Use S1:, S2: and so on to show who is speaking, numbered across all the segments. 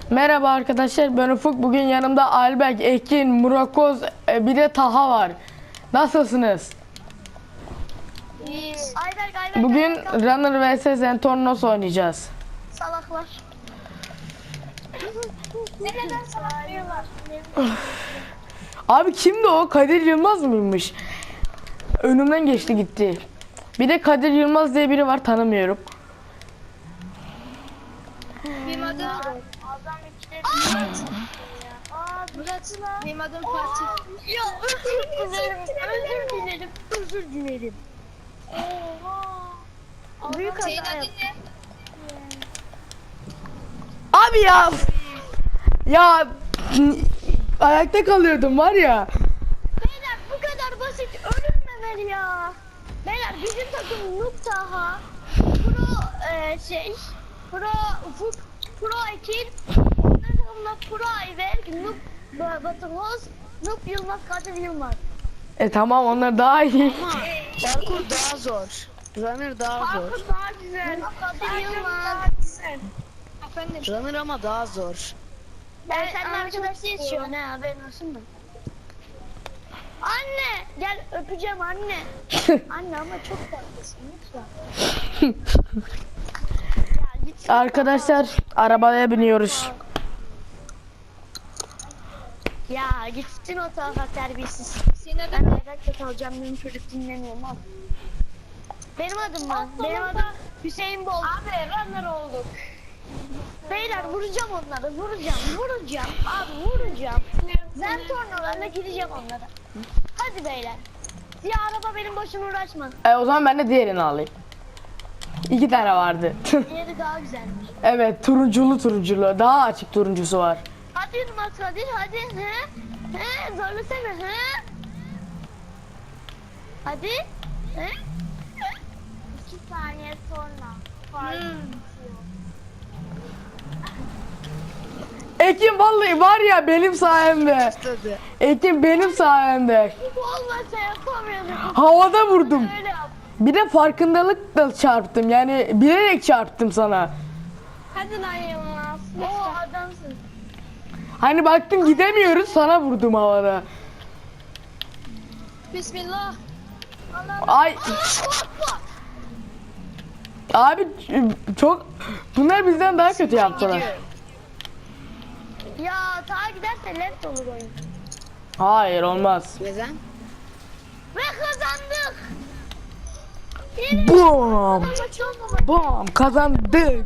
S1: Merhaba arkadaşlar, ben Ufuk. Bugün yanımda Albek, Ekin, Murakoz, bir de Taha var. Nasılsınız?
S2: Ayberk.
S1: Bugün Runner vs Zentornos oynayacağız.
S2: Salaklar. Neden salak diyorlar?
S1: Abi kimdi o? Kadir Yılmaz mıymış? Önümden geçti gitti. Bir de Kadir Yılmaz diye biri var, tanımıyorum.
S2: Benim adım Murat. Benim adım Fatih. Ya özür dilerim. Oha. Büyük hata yaptım.
S1: Abi ya ayakta kalıyordum var ya.
S2: Beyler bu kadar basit ölünmemeli ya. Beyler bizim takım Noob Taha, Pro Ufuk, Pro Ekin, onların takımda Pro Ayberk, Noob Batımız, Noob Yılmaz, Kadir Yılmaz.
S1: Tamam, onlar daha iyi.
S3: Parkur daha zor. Runner daha zor.
S2: Parkur daha güzel. Kadir Yılmaz. Efendim.
S3: Runner ama daha zor.
S2: Ben seninle arkadaşla yaşıyorum ha, haberin olsun mu? Anne gel öpeceğim anne. Anne ama çok tatlısın lütfen. Ya git.
S1: Arkadaşlar, arabaya biniyoruz.
S2: Ya gitsin o tarafa terbiyesiz. Ben evde kalacağım, benim çocuk dinlemiyor mal. Benim adım mı? Benim adım Hüseyin Bol. Abi runner olduk. Beyler vuracağım onları, vuracağım. Abi vuracağım. Ben tornalarla gideceğim onlara. Hadi beyler. Ya araba benim başıma uğraşma.
S1: O zaman ben de diğerini alayım. 2 tane vardı.
S2: Diğeri daha güzelmiş.
S1: Evet, turunculu. Daha açık turuncusu var.
S2: Hadi Yılmaz Kadir hadi. He zorlasana he. Hadi. He. 2 saniye sonra.
S1: Ekin vallahi var ya, benim sayemde.
S3: Tadı.
S1: Ekin benim sayemde.
S2: Bu olmasa yapamıyordum.
S1: Havada vurdum.
S2: Öyle yap.
S1: Bir de farkındalıkla çarptım. Yani bilerek çarptım sana.
S2: Hadi lan Yılmaz. Oo adamsın.
S1: Hani baktım gidemiyoruz, sana vurdum havada.
S2: Bismillah.
S1: Ay abi, çok bunlar bizden daha kötü yaptılar.
S2: Ya ta giderse left olur oyun.
S1: Hayır, olmaz.
S3: Neden?
S2: Ve kazandık.
S1: Bom!
S2: Maç olmamak.
S1: Bom! Kazandık.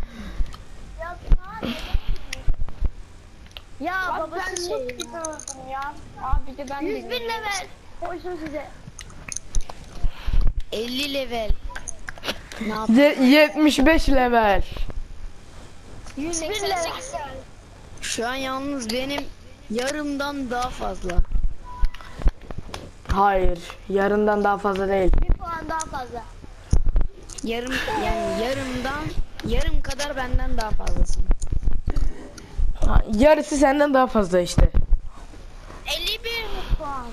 S2: Ya babası şey.
S4: Ya abi de ben
S2: 100 bin level. Koysun size.
S3: 50 level. Ne yap?
S1: 75 level.
S2: 100 bin level.
S3: Şu an yalnız benim yarımdan daha fazla.
S1: Hayır, yarından daha fazla değil.
S2: Bir puan daha fazla.
S3: Yarım, yani yarım kadar benden daha fazlasın.
S1: Yarısı senden daha fazla işte.
S2: 51 puan.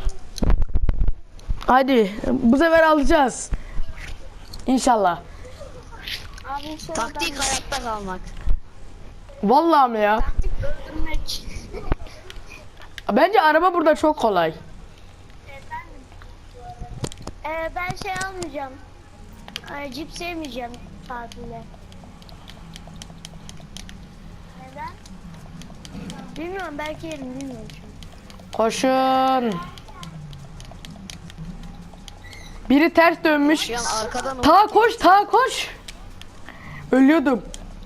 S1: Hadi bu sefer alacağız. İnşallah.
S2: Abi sonra
S3: Taktik hayatta kalmak.
S1: Vallahi mi ya?
S2: öldürmek.
S1: Bence araba burada çok kolay.
S2: Ben şey almayacağım. Cip sevmeyeceğim tatilde. Neden? Bilmiyorum, belki yerim, bilmiyorum şu an.
S1: Koşun. Biri ters dönmüş.
S3: Şu an arkadan
S1: Ta koş. Ölüyordum.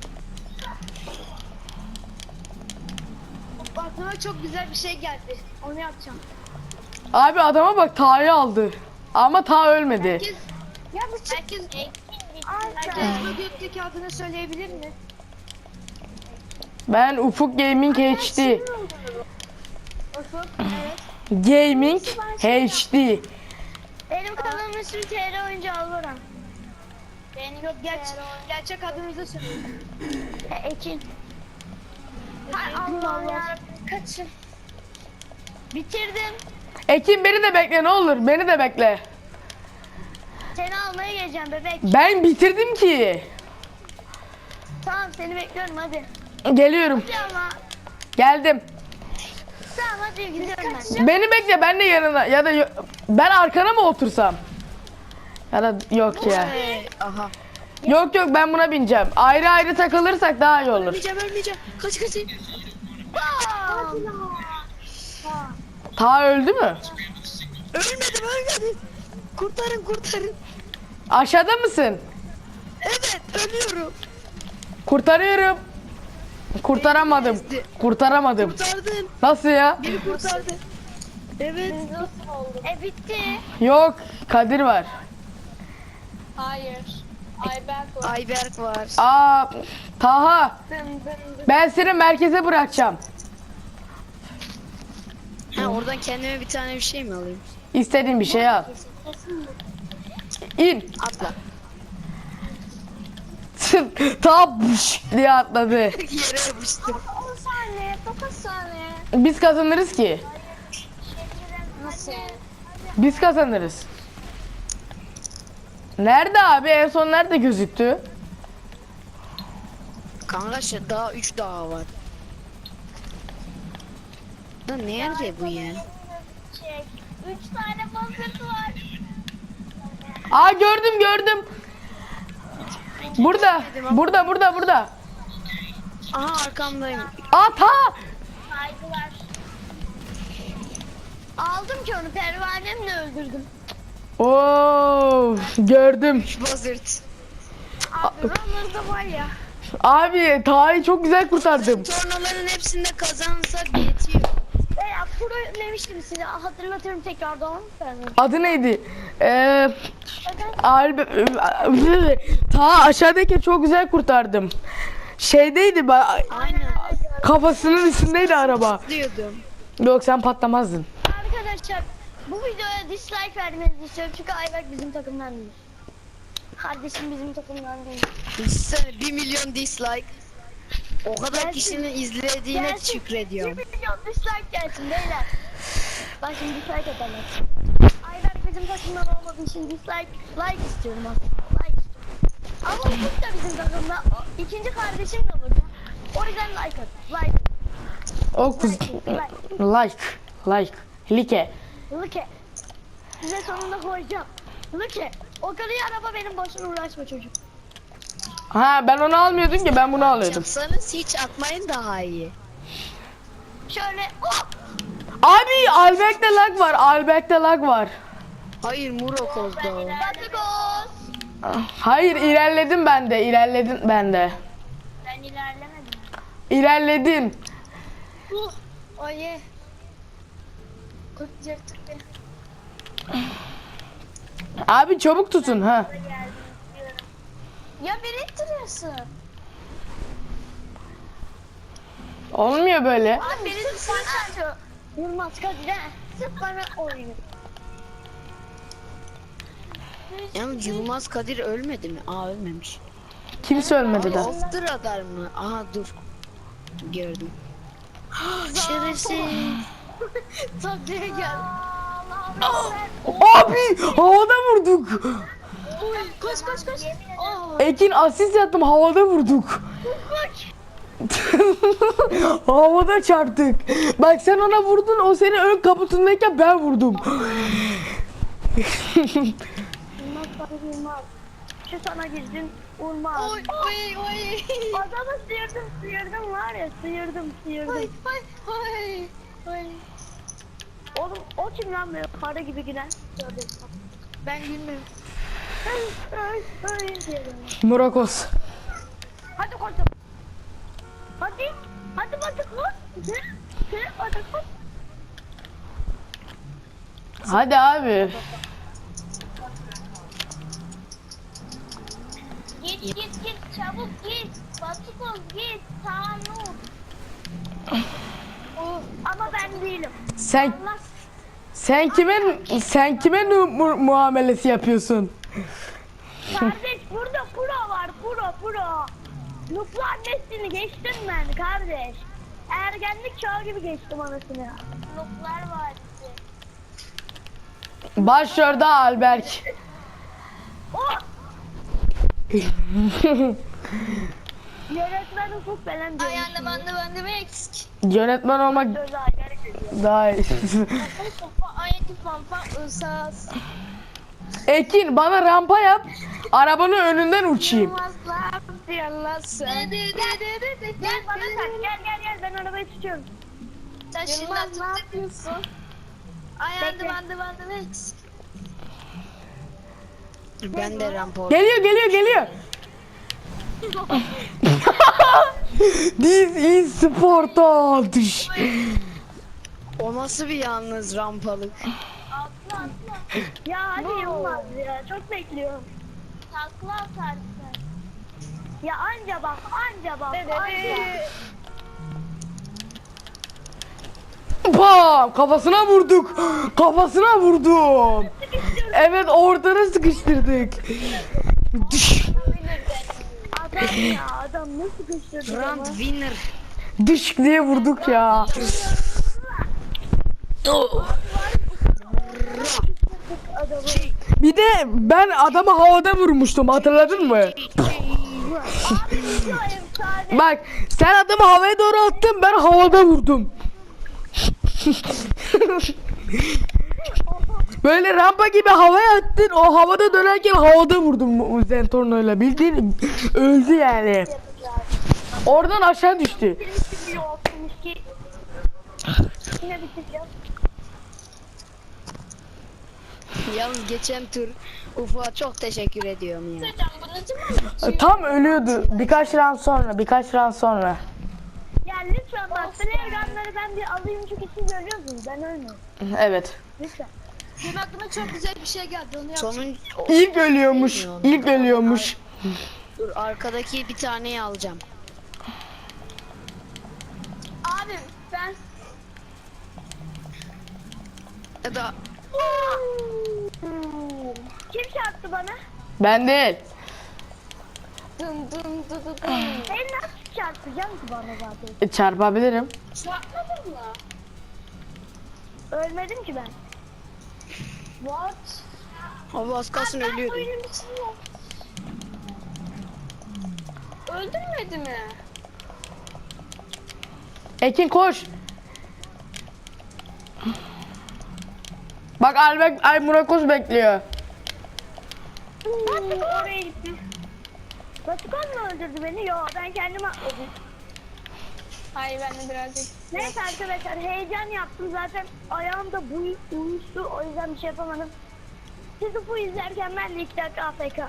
S2: Aklıma çok güzel bir şey geldi. Onu yapacağım.
S1: Abi adama bak, Ta'yı aldı. Ama Ta ölmedi.
S2: Ya bu herkes bu gökteki adını söyleyebilir mi?
S1: Ben Ufuk Gaming HD.
S2: Ufuk, evet.
S1: Gaming HD.
S2: Benim kanalımın ismi TR Oyuncu Alvaran. Benim yok gerçek adınızı söyleyin. Ekin. Hay Allah ya, kaçın. Bitirdim.
S1: Ekin, beni de bekle ne olur. Beni de bekle.
S2: Seni almaya geleceğim bebek.
S1: Ben bitirdim ki.
S2: Tamam seni bekliyorum hadi.
S1: Geliyorum.
S2: Ama
S1: Geldim.
S2: tamam hadi gidiyorum ben.
S1: Beni bekle, ben de yanına ya da ben arkana mı otursam? Ya da yok ya.
S3: Aha.
S1: Yok yok, ben buna bineceğim. Ayrı ayrı takılırsak daha iyi olur.
S3: Ölmeyeceğim. Kaç.
S1: Ta öldü mü?
S3: Ölmedim. Kurtarın.
S1: Aşağıda mısın?
S3: Evet, ölüyorum.
S1: Kurtarıyorum. Kurtaramadım. Kurtaramadım.
S3: Kurtardın.
S1: Nasıl ya?
S3: Beni kurtardı. Evet.
S2: Bitti.
S1: Yok, Kadir var.
S4: Hayır. Ayberk var.
S3: Ayberk var.
S1: Aa, Taha,
S4: Dın dın dın.
S1: ben seni merkeze bırakacağım.
S3: Ha, oradan kendime bir tane bir şey mi alayım?
S1: İstediğin bir şey al. İn.
S3: Atla.
S1: Taha buş diye atladı.
S3: Yere yapıştım.
S2: 10 saniye, 9 saniye.
S1: Biz kazanırız ki.
S2: Nasıl?
S1: Biz kazanırız. Nerede abi? En son nerede gözüktü?
S3: Kanka daha 3 daha var. Lan nerede bu ya?
S2: 3 tane basırt var.
S1: Aa, gördüm. Burada.
S3: Aha, arkamdayım.
S1: Aa, Taha.
S2: Saygılar. Aldım ki onu pervanemle öldürdüm.
S1: Oo, gördüm.
S3: Buzzard.
S2: Abi runner'da var ya.
S1: Abi, Taha'yı çok güzel kurtardım.
S3: Tornaların hepsinde kazanırsak yetiyor.
S2: Ya pro demiştim size, hatırlatırım tekrardan.
S1: Adı neydi? Taha, aşağıdaki çok güzel kurtardım. Şeydeydi,
S3: Aynen.
S1: kafasının üstündeydi araba.
S3: Diyordum.
S1: Yok, sen patlamazdın.
S2: Arkadaşlar bu videoya dislike vermenizi istiyorum çünkü Ayberk bizim takımdan değil. Kardeşim bizim takımdan değil.
S3: Düşünsene 1 milyon dislike. O kadar
S2: Gelsin.
S3: kişinin izlediğine
S2: Gelsin.
S3: şükrediyorum.
S2: 1 milyon dislike gelsin beyler. Bak şimdi dislike atarlar. Ayberk bizim takımdan olmadığı için like istiyorum aslında. Like istiyorum. Ama Ufuk da bizim takımda. İkinci kardeşim de burada. O yüzden like at.
S1: O kız like.
S2: Luke. Size sonunda koyacağım. Luke. O kadar araba benim boşuna uğraşma çocuk.
S1: Ha, ben onu almıyordum ki, ben bunu alıyordum.
S3: Yapsanız hiç atmayın daha iyi.
S2: Şöyle hop.
S1: Abi, Alberk'te lag var.
S3: Hayır, Murok oldu o.
S2: Batıgos.
S1: Hayır, ilerledim ben de.
S2: Ben ilerlemedim.
S1: İlerledim.
S2: Oye. Kurtacaktık be.
S1: Abi, çabuk tutun ha.
S2: Ya beni ittiriyorsun.
S1: Olmuyor böyle.
S2: Abi beni tutsana. Yılmaz Kadir'e. Sırf bana oynuyor.
S3: Yalnız Yılmaz Kadir ölmedi mi? Aa, ölmemiş.
S1: Kimse ölmedi de.
S3: Off the radar mı? Aha, dur. Gördüm. Şerefsiz.
S2: Taklaya gel.
S1: Abi, havada vurduk.
S2: Koş.
S1: Ekin, asist yaptım, havada vurduk. Havada çarptık. Bak, sen ona vurdun, o senin ön kaputundayken ben vurdum.
S2: Yılmaz. Şu sana girdin. Vurmaz.
S4: Oy.
S2: Adamı sıyırdım var ya, sıyırdım.
S4: Oy.
S2: Oğlum o kim lan böyle para gibi gülen?
S4: Ben gülmüyorum.
S2: Diyelim.
S1: Murakos.
S2: Hadi koş. Hadi koş. Hadi koş.
S1: Hadi abi.
S2: Git çabuk git. Batıkoz git. Tamam. Ama ben değilim. Allah
S1: Sen kime muamelesi yapıyorsun?
S2: kardeş burada pro var pro. Nukleer neslini geçtim ben kardeş. Ergenlik çağı gibi geçtim anasını. Nukleer var.
S1: Başrolde Alberk.
S2: Oh! Yönetmen Ufuk Belen
S4: I am the one, the one, the Mexic.
S1: Yönetmen olmak daha iyi.
S4: I am the pampa usas.
S1: Ekin bana rampa yap. Arabanın önünden uçayım.
S2: Gel bana tak, gel ben arabayı tutuyorum.
S4: Sen şimdi
S2: Yılmaz ne yapıyorsun?
S4: I am the one, the one, the Mexic.
S3: Ben de rampa.
S1: Geliyor. This is Sparta. Dış.
S3: O nasıl bir yalnız rampalık?
S2: Ya hadi Yılmaz ya, çok bekliyorum.
S4: Takla atarsın.
S2: Ya anca bak.
S1: Bam! Kafasına vurdum. Evet ortana sıkıştırdık. Dış.
S2: Adam nasıl sıkıştırdı
S3: Grand winner.
S1: Dış diye vurduk ya. Bir de ben adamı havada vurmuştum, hatırladın mı? Bak sen adamı havaya doğru attın, ben havada vurdum. Böyle rampa gibi havaya attın, o havada dönerken havada vurdum Zentorno'yla, bildiğin öldü yani. Oradan aşağı düştü.
S2: Yine bitireceğim.
S3: Yalnız geçen tur Ufuk'a çok teşekkür ediyorum ya.
S1: Tam ölüyordu birkaç round sonra.
S2: Ya lütfen bak, Flaregun'ları ben bir alayım çünkü siz ölüyorsunuz, ben ölmüyorum.
S1: Evet.
S2: Lütfen.
S4: Benim aklıma çok güzel bir şey geldi, onu yap.
S3: Sonun
S1: İlk ölüyormuş.
S3: dur, arkadaki bir taneyi alacağım.
S4: Abi ben
S3: Ya da
S2: Kim çarptı bana?
S1: Ben değil.
S4: dın dın dın dın.
S2: Sen nasıl çarpacağım ki bana zaten?
S1: Çarpabilirim.
S4: Çarpmadın mı?
S2: Ölmedim ki ben.
S4: What?
S3: abi az kalsın ölüyordum.
S4: Oyunun içinde. Öldürmedi mi?
S1: Ekin koş. Bak Murakos bekliyor.
S2: Batıkan oraya gitti. Batıkan mı öldürdü beni? Yo, ben kendim atladım.
S4: Hayır, ben de birazcık.
S2: Neyse arkadaşlar, heyecan yaptım zaten, ayağım da uyuştu, o yüzden bir şey yapamadım. Siz bu izlerken ben de 2 dakika AFK.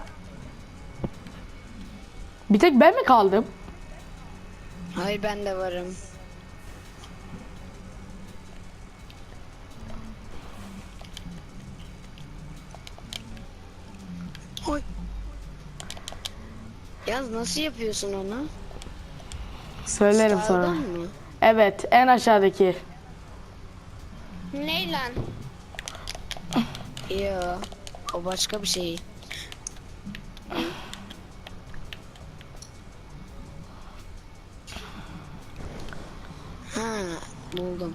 S1: Bir tek ben mi kaldım?
S3: Hayır, ben de varım. Oy. Yaz nasıl yapıyorsun onu?
S1: Söylerim sonra.
S3: Sağdan mı?
S1: Evet, en aşağıdaki.
S4: Ney lan?
S3: Yo, o başka bir şey. Ha, buldum.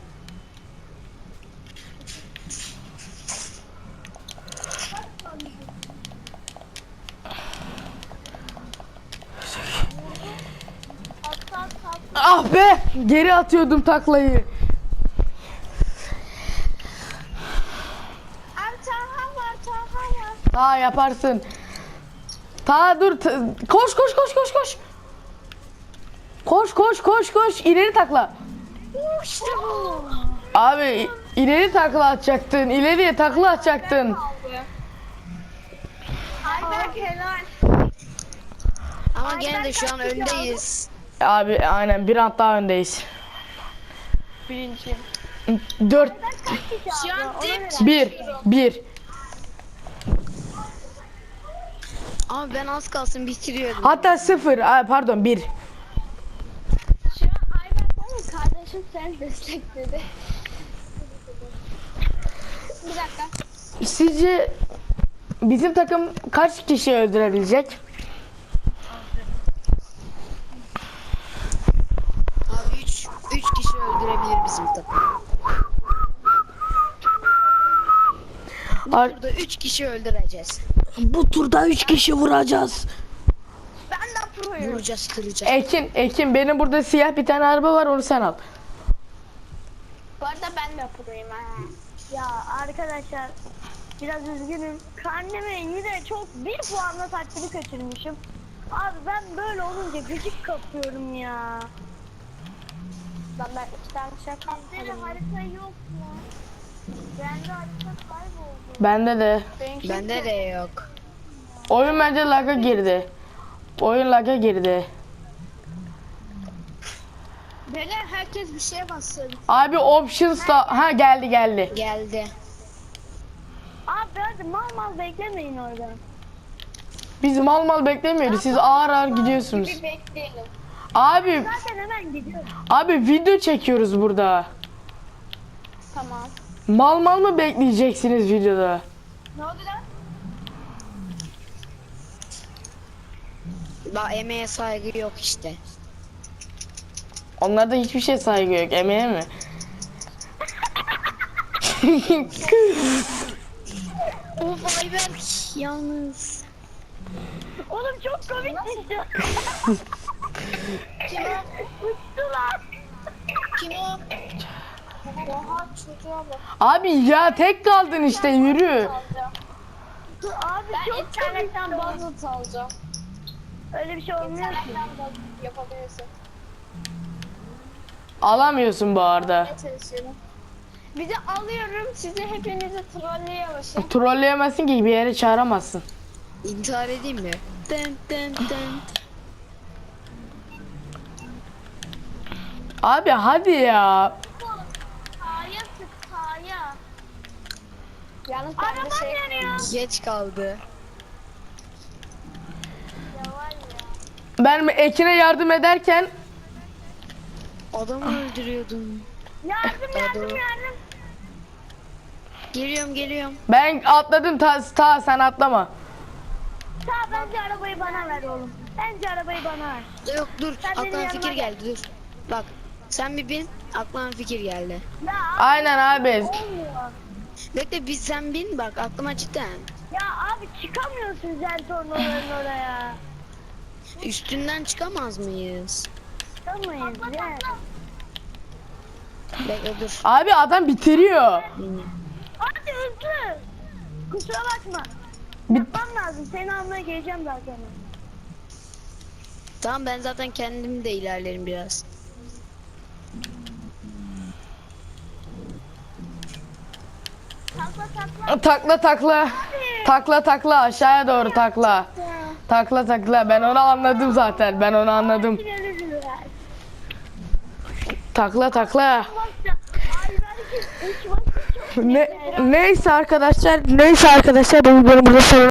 S1: Ah be! Geri atıyordum taklayı. Ta yaparsın. Ta dur. Koş. Koş. İleri takla.
S2: İşte bu.
S1: Abi ileri takla atacaktın. İleriye takla atacaktın.
S4: Ayberk helal.
S3: Ama gene de şu an öndeyiz.
S1: Abi aynen bir round daha öndeyiz.
S4: Birinci.
S1: 4
S4: Şu an dip
S1: 1
S3: Ama ben az kalsın bitiriyordum.
S1: hatta 0 pardon 1.
S4: Şu an Ayberk var ya, kardeşim sen destekledi. Bir dakika.
S1: Sizce bizim takım kaç kişi öldürebilecek?
S3: Abi 3 kişi öldürebilir bizim takım. Burada 3 kişi öldüreceğiz.
S1: Bu turda 3 kişi vuracağız.
S4: Ben de proyum.
S3: vuracağız, kıracağız.
S1: Ekin benim burada siyah bir tane araba var, onu sen al.
S4: Bu arada ben de proyum ha.
S2: Ya arkadaşlar biraz üzgünüm. Karneme yine çok bir puanla takdiri kaçırmışım. Abi ben böyle olunca gıcık kapıyorum ya.
S4: Ben 2 tane şaka
S2: Bizde de harita yok mu? Bende harita kayboldu.
S1: Bende de.
S3: Bende de yok.
S1: Oyun bence lag'a girdi. Oyun lag'a girdi.
S4: Beyler herkes bir şeye bassın.
S1: Abi options da geldi.
S3: Geldi.
S2: Abi hadi mal beklemeyin orada.
S1: Biz mal beklemiyoruz. Siz ağır gidiyorsunuz.
S4: Bir bekleyelim.
S1: Abi
S2: Zaten hemen gidiyorum.
S1: video çekiyoruz burada.
S4: Tamam.
S1: Mal mı bekleyeceksiniz videoda?
S4: Ne oldu lan?
S3: Bak emeğe saygı yok işte.
S1: Onlarda hiçbir şey saygı yok. Emeğe mi?
S3: Of Ayberk yalnız.
S2: Oğlum çok komik düştü.
S4: Kim o?
S2: Uçtular.
S4: Kim o? Oha çocuğa bak.
S1: Abi ya tek kaldın işte, yürü.
S4: Alacağım.
S2: Abi
S4: Ben
S2: çok
S4: internetten
S2: komik.
S4: bazı alacağım.
S2: Öyle bir şey olmuyor ki.
S4: İnternetten bazı yapabilirsin.
S1: Alamıyorsun bu arada.
S4: Ne çalışıyorum? Bir de alıyorum sizi hepinizi trolleyemezsin.
S1: Trolleyemezsin ki, bir yere çağıramazsın.
S3: İntihar edeyim mi? Dın dın dın.
S1: Abi hadi ya.
S4: Kaya sık kaya. Yalnız ben de
S2: Arabam
S4: şey
S2: yanıyor.
S3: Geç kaldı.
S4: ya var ya.
S1: Ben Ekin'e yardım ederken
S3: Adamı öldürüyordum.
S2: Yardım.
S3: Geliyorum.
S1: ben atladım, ta sen atlama.
S2: Bence arabayı bana ver oğlum. Bence arabayı bana ver.
S3: Yok dur,
S2: Sen benim
S3: aklıma
S2: yanıma
S3: fikir
S2: gel.
S3: geldi dur. Bak sen bir bin, aklıma fikir geldi.
S2: Ya
S1: Aynen abi.
S2: olmuyor.
S3: Bekle sen bin bak aklıma cidden.
S2: Ya abi çıkamıyorsun Zentorno'ların oraya.
S3: Üstünden çıkamaz mıyız?
S2: Çıkamayız ya.
S3: Bekle dur.
S1: Abi adam bitiriyor.
S2: Hadi hızlı. Kusura bakma.
S1: Bit-
S2: Yapmam lazım. Seni almaya geleceğim zaten.
S3: Tamam ben zaten kendim de ilerlerim biraz.
S1: Takla aşağıya doğru takla. Takla ben onu anladım zaten. Ben onu anladım. Takla.
S2: Ay belki 3 maç çok
S1: Neyse arkadaşlar bu videonun burada sonuna